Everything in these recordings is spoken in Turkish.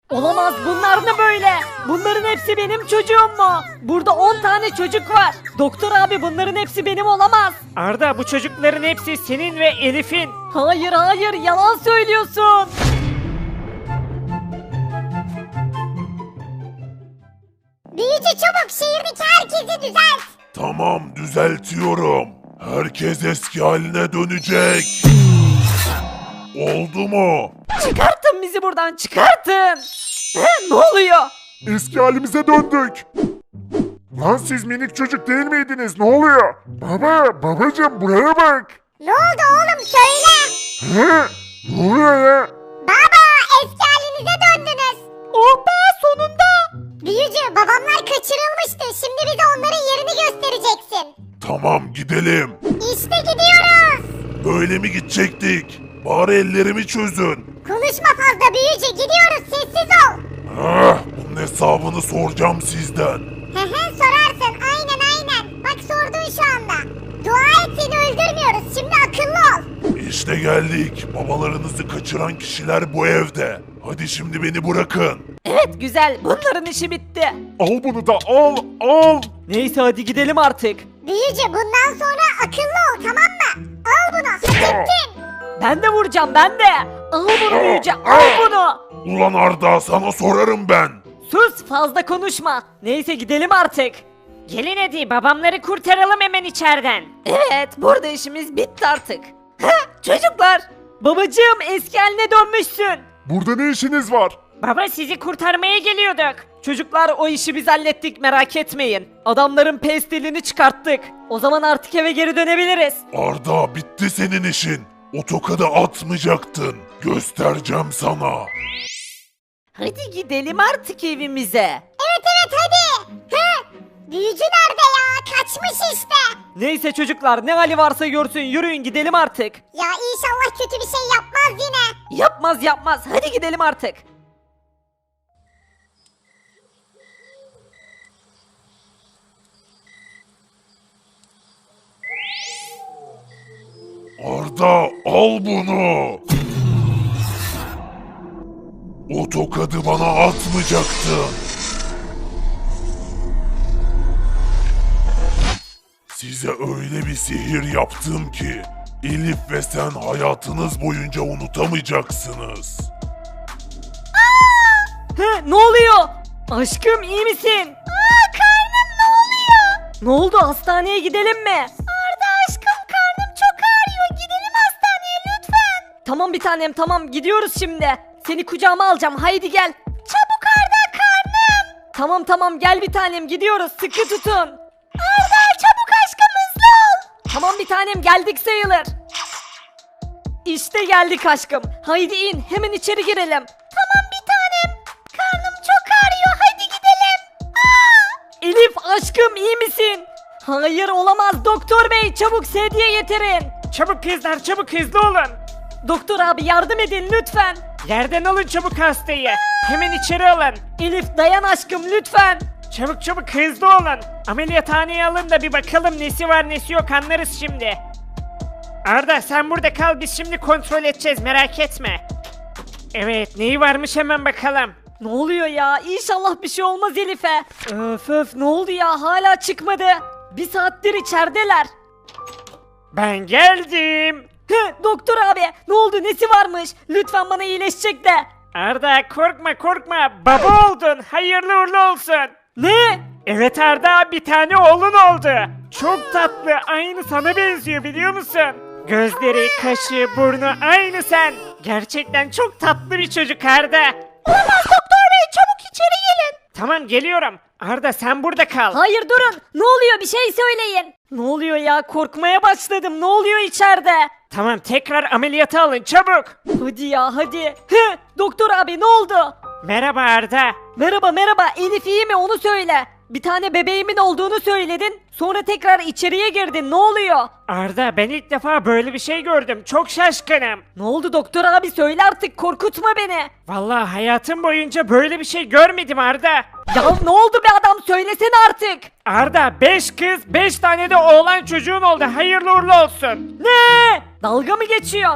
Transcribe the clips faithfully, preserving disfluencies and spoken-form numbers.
Olamaz, bunlar ne böyle? Bunların hepsi benim çocuğum mu? Burada on tane çocuk var. Doktor abi, bunların hepsi benim olamaz. Arda, bu çocukların hepsi senin ve Elif'in. Hayır hayır, yalan söylüyorsun. Büyücü çabuk şehirdeki herkesi düzelt. Tamam, düzeltiyorum. Herkes eski haline dönecek. Oldu mu? Çıkartın bizi buradan, çıkartın. He, ne oluyor? Eski halimize döndük. Lan siz minik çocuk değil miydiniz? Ne oluyor? Baba, babacığım buraya bak. Ne oldu oğlum söyle. He? Ne oluyor ya? Baba eski halinize döndünüz. Oh be, sonunda. Büyücü babamlar kaçırılmıştı. Şimdi bize onların yerini göstereceksin. Tamam, gidelim. İşte gidiyoruz. Böyle mi gidecektik? Bari ellerimi çözün. Konuşma fazla büyücü, gidiyoruz, sessiz ol. Ah, bunun hesabını soracağım sizden. Hı hı sorarsın, aynen aynen. Bak sordun şu anda. Dua et seni öldürmüyoruz, şimdi akıllı ol. İşte geldik. Babalarınızı kaçıran kişiler bu evde. Hadi şimdi beni bırakın. Evet, güzel, bunların işi bitti. Al bunu da al, al. Neyse, hadi gidelim artık. Büyücü bundan sonra akıllı ol, tamam mı? Al bunu, hak ettin. Ben de vuracağım, ben de. Al bunu büyücü, al bunu. Ulan Arda, sana sorarım ben. Sus, fazla konuşma. Neyse, gidelim artık. Gelin hadi, babamları kurtaralım hemen içeriden. Evet, burada işimiz bitti artık. Heh, çocuklar. Babacığım, eski haline dönmüşsün. Burada ne işiniz var? Baba, sizi kurtarmaya geliyorduk. Çocuklar, o işi biz hallettik, merak etmeyin. Adamların pestilini çıkarttık. O zaman artık eve geri dönebiliriz. Arda, bitti senin işin. O tokadı atmayacaktın. Göstereceğim sana. Hadi gidelim artık evimize. Evet evet hadi. Hı? Büyücü nerede ya? Kaçmış işte. Neyse çocuklar, ne hali varsa görsün, yürüyün gidelim artık. Ya inşallah kötü bir şey yapmaz yine. Yapmaz yapmaz, hadi gidelim artık. Arda, al bunu. O tokadı bana atmayacaktın. Size öyle bir sihir yaptım ki Elif ve sen hayatınız boyunca unutamayacaksınız. He, ne oluyor? Aşkım, iyi misin? Aa karnım ne oluyor? Ne oldu, hastaneye gidelim mi? Arda aşkım karnım çok ağrıyor. Gidelim hastaneye lütfen. Tamam bir tanem, tamam, gidiyoruz şimdi. Seni kucağıma alacağım, haydi gel. Çabuk Arda karnım. Tamam tamam, gel bir tanem, gidiyoruz, sıkı tutun. Arda çabuk aşkım hızlı ol. Tamam bir tanem, geldik sayılır. İşte geldik aşkım. Haydi in, hemen içeri girelim. Tamam bir tanem. Karnım çok ağrıyor. Hadi gidelim. Aa! Elif aşkım, iyi misin? Hayır, olamaz, doktor bey, çabuk sedye getirin. Çabuk kızlar, çabuk, hızlı olun. Doktor abi, yardım edin lütfen. Yerden alın çabuk hastayı. Hemen içeri alın. Elif dayan aşkım, lütfen. Çabuk çabuk, hızlı olun. Ameliyathaneye alın da bir bakalım nesi var nesi yok, anlarız şimdi. Arda, sen burada kal, biz şimdi kontrol edeceğiz, merak etme. Evet, neyi varmış hemen bakalım. Ne oluyor ya? İnşallah bir şey olmaz Elif'e. Öf öf, ne oldu ya? Hala çıkmadı. Bir saattir içerideler. Ben geldim. Hı, doktor abi, ne oldu? Nesi varmış? Lütfen bana iyileşecek de. Arda, korkma korkma, baba oldun, hayırlı uğurlu olsun. Ne? Evet Arda, bir tane oğlun oldu. Çok tatlı, aynı sana benziyor, biliyor musun? Gözleri, kaşı, burnu aynı sen. Gerçekten çok tatlı bir çocuk Arda. Olamaz doktor bey çabuk içeri gelin. Tamam, geliyorum. Arda, sen burada kal. Hayır durun. Ne oluyor? Bir şey söyleyin. Ne oluyor ya? Korkmaya başladım. Ne oluyor içeride? Tamam, tekrar ameliyata alın çabuk. Hadi ya hadi. Hı, doktor abi, ne oldu? Merhaba Arda. Merhaba merhaba, Elif iyi mi, onu söyle. Bir tane bebeğimin olduğunu söyledin. Sonra tekrar içeriye girdin. Ne oluyor? Arda, ben ilk defa böyle bir şey gördüm. Çok şaşkınım. Ne oldu doktor abi, söyle artık, korkutma beni. Vallahi hayatım boyunca böyle bir şey görmedim Arda. Ya ne oldu be adam, söylesene artık. Arda, beş kız, beş tane de oğlan çocuğun oldu. Hayırlı uğurlu olsun. Ne? Dalga mı geçiyorsun?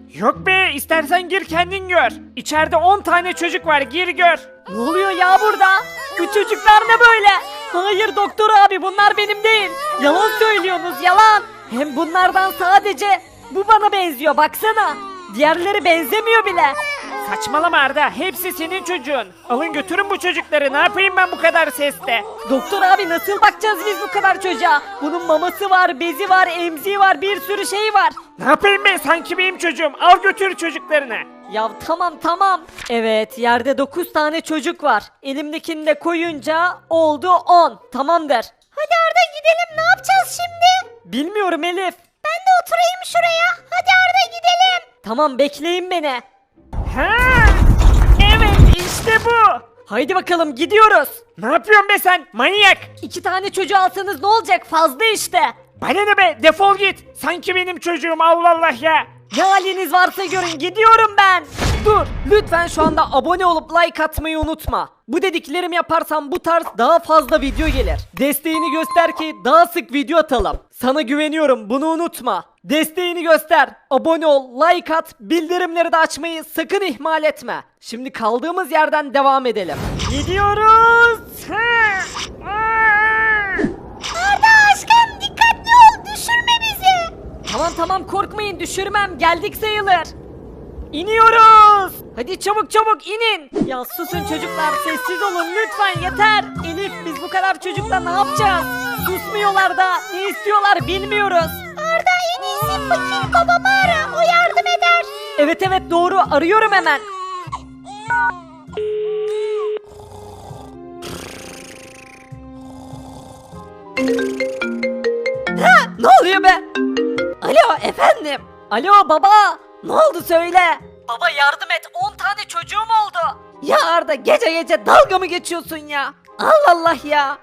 Yok be, istersen gir kendin gör. İçeride on tane çocuk var, gir gör. Ne oluyor ya burada? Bu çocuklar ne böyle? Hayır doktor abi bunlar benim değil. Yalan söylüyorsunuz yalan. Hem bunlardan sadece bu bana benziyor baksana. Diğerleri benzemiyor bile. Saçmalama Arda, hepsi senin çocuğun. Alın götürün bu çocukları, ne yapayım ben bu kadar seste? Doktor abi nasıl bakacağız biz bu kadar çocuğa? Bunun maması var, bezi var, emziği var, bir sürü şey var. Ne yapayım ben, sanki benim çocuğum, al götür çocuklarını. Ya tamam tamam. Evet yerde dokuz tane çocuk var. Elimdekini de koyunca oldu on. Tamamdır. Hadi Arda gidelim, ne yapacağız şimdi? Bilmiyorum Elif. Ben de oturayım şuraya. Hadi Arda gidelim. Tamam bekleyin beni. Ha, evet işte bu. Haydi bakalım gidiyoruz. Ne yapıyorsun be sen, manyak? İki tane çocuğu alsanız ne olacak fazla işte. Bana ne be, defol git. Sanki benim çocuğum, Allah Allah ya. Ne haliniz varsa görün gidiyorum ben. Dur lütfen şu anda abone olup like atmayı unutma. Bu dediklerimi yaparsan bu tarz daha fazla video gelir. Desteğini göster ki daha sık video atalım. Sana güveniyorum bunu unutma. Desteğini göster. Abone ol, like at, bildirimleri de açmayı sakın ihmal etme. Şimdi kaldığımız yerden devam edelim. Gidiyoruz. Ha, aa. Arda aşkım dikkatli ol, düşürme bizi. Tamam tamam korkmayın düşürmem geldik sayılır. İniyoruz. Hadi çabuk çabuk inin. Ya susun çocuklar sessiz olun lütfen yeter. Elif biz bu kadar çocukla ne yapacağız? Susmuyorlar da ne istiyorlar bilmiyoruz. Arda en iyisi fakir babamı ara, o yardım eder. Evet evet doğru arıyorum hemen. Ha, ne oluyor be? Alo efendim. Alo baba. Ne oldu söyle. Baba yardım et on tane çocuğum oldu. Ya Arda gece gece dalga mı geçiyorsun ya? Allah Allah ya.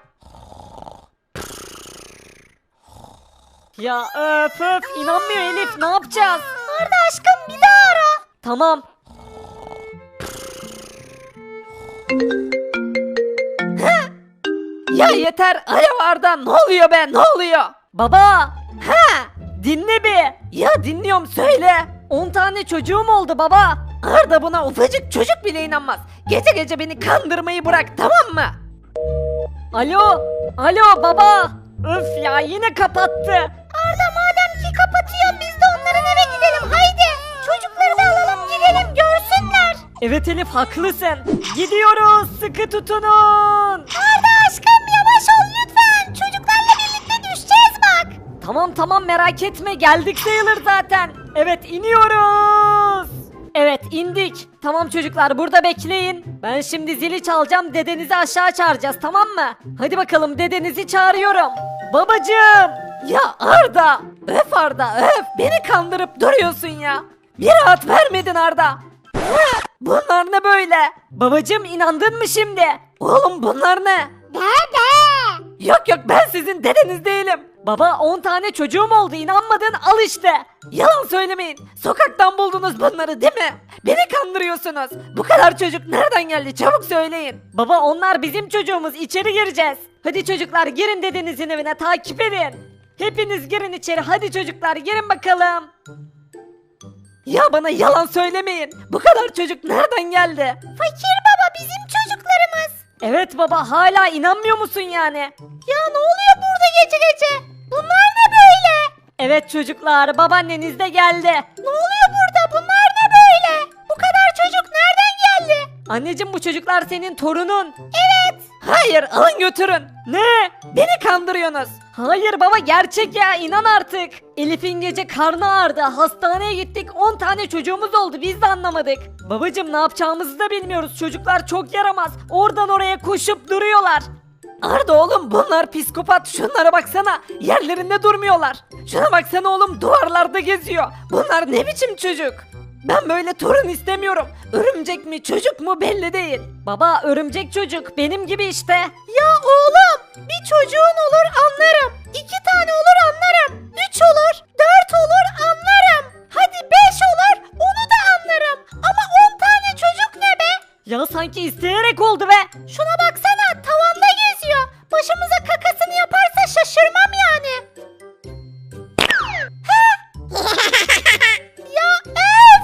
Ya öf öf inanmıyor Elif ne yapacağız? Arda aşkım bir daha ara. Tamam. Heh. Ya yeter. Alo Arda ne oluyor be ne oluyor? Baba. Ha dinle bir. Ya dinliyorum söyle. on tane çocuğum oldu baba. Arda buna ufacık çocuk bile inanmaz. Gece gece beni kandırmayı bırak tamam mı? Alo. Alo baba. Öf ya yine kapattı. Arda madem ki kapatıyor biz de onların eve gidelim haydi. Çocukları da alalım gidelim görsünler. Evet Elif haklısın. Gidiyoruz sıkı tutunun. Arda aşkım yavaş ol lütfen. Çocuklarla birlikte düşeceğiz bak. Tamam tamam merak etme geldik sayılır zaten. Evet iniyoruz. Evet indik. Tamam çocuklar burada bekleyin. Ben şimdi zili çalacağım dedenizi aşağı çağıracağız tamam mı? Hadi bakalım dedenizi çağırıyorum. Babacığım. Ya Arda. Öf Arda öf. Beni kandırıp duruyorsun ya. Bir rahat vermedin Arda. Hı, bunlar ne böyle? Babacığım inandın mı şimdi? Oğlum bunlar ne? Dede. Yok yok ben sizin dedeniz değilim. Baba on tane çocuğum oldu inanmadın al işte. Yalan söylemeyin. Sokaktan buldunuz bunları değil mi? Beni kandırıyorsunuz. Bu kadar çocuk nereden geldi çabuk söyleyin. Baba onlar bizim çocuğumuz içeri gireceğiz. Hadi çocuklar girin dedenizin evine takip edin. Hepiniz girin içeri hadi çocuklar girin bakalım. Ya bana yalan söylemeyin. Bu kadar çocuk nereden geldi? Fakir baba bizim çocuklarımız. Evet baba hala inanmıyor musun yani? Ya ne oluyor burada gece gece? Bunlar ne böyle? Evet çocuklar babaanneniz de geldi. Ne oluyor burada? Bunlar ne böyle? Bu kadar çocuk nereden geldi? Anneciğim bu çocuklar senin torunun. Evet. Hayır alın götürün. Ne? Beni kandırıyorsunuz. Hayır baba gerçek ya inan artık. Elif'in gece karnı ağrıdı. Hastaneye gittik on tane çocuğumuz oldu biz de anlamadık. Babacım ne yapacağımızı da bilmiyoruz. Çocuklar çok yaramaz. Oradan oraya koşup duruyorlar. Arda oğlum bunlar psikopat. Şunlara baksana. Yerlerinde durmuyorlar. Şuna baksana oğlum duvarlarda geziyor. Bunlar ne biçim çocuk? Ben böyle torun istemiyorum. Örümcek mi çocuk mu belli değil. Baba örümcek çocuk benim gibi işte. Ya oğlum bir çocuğun olur anlarım. İki tane olur anlarım. Üç olur, dört olur anlarım. Hadi beş olur onu da anlarım. Ama on tane çocuk ne be? Ya sanki isteyerek oldu be. Şuna baksana tavanda geziyor. Başımıza kakasını yaparsa şaşırmam yani. Heh. Ya öf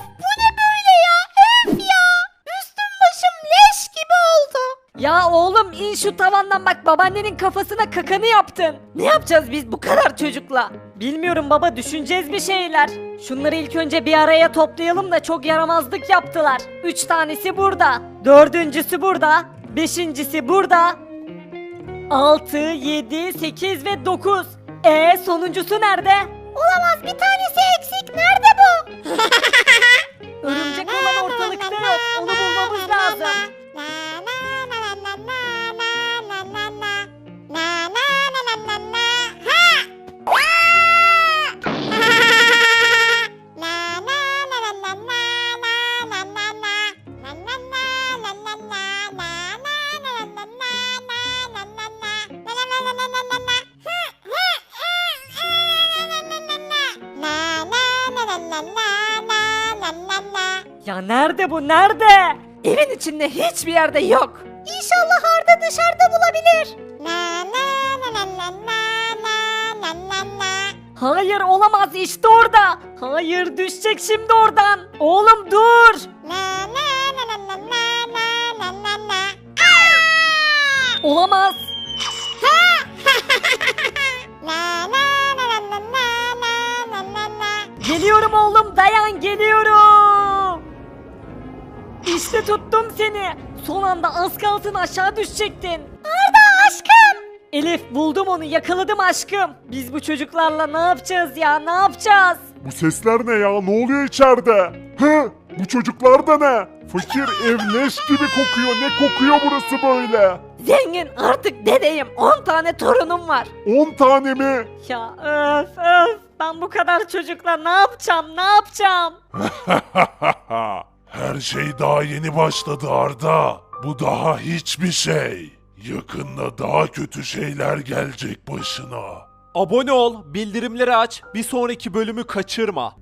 Ya oğlum in şu tavandan bak babaannenin kafasına kakanı yaptın. Ne yapacağız biz bu kadar çocukla? Bilmiyorum baba düşüneceğiz bir şeyler. Şunları ilk önce bir araya toplayalım da çok yaramazlık yaptılar. Üç tanesi burada. Dördüncüsü burada. Beşincisi burada. Altı, yedi, sekiz ve dokuz. E sonuncusu nerede? Olamaz, bir tanesi eksik. Nerede bu? Örümcek olan ortalıkta yok. Onu bulmamız lazım. Ya nerede bu nerede? Evin içinde hiçbir yerde yok. İnşallah Arda dışarıda bulabilir. Hayır olamaz işte orada. Hayır düşecek şimdi oradan. Oğlum dur. Olamaz. Geliyorum oğlum dayan geliyorum. İşte tuttum seni. Son anda az kalsın aşağı düşecektin. Arda aşkım. Elif buldum onu yakaladım aşkım. Biz bu çocuklarla ne yapacağız ya ne yapacağız? Bu sesler ne ya? Ne oluyor içeride? Hı? Bu çocuklar da ne? Fakir ev leş gibi kokuyor. Ne kokuyor burası böyle? Zengin artık dedeyim on tane torunum var. on tane mi? Ya öf öf ben bu kadar çocukla ne yapacağım ne yapacağım? Her şey daha yeni başladı Arda. Bu daha hiçbir şey. Yakında daha kötü şeyler gelecek başına. Abone ol, bildirimleri aç, bir sonraki bölümü kaçırma.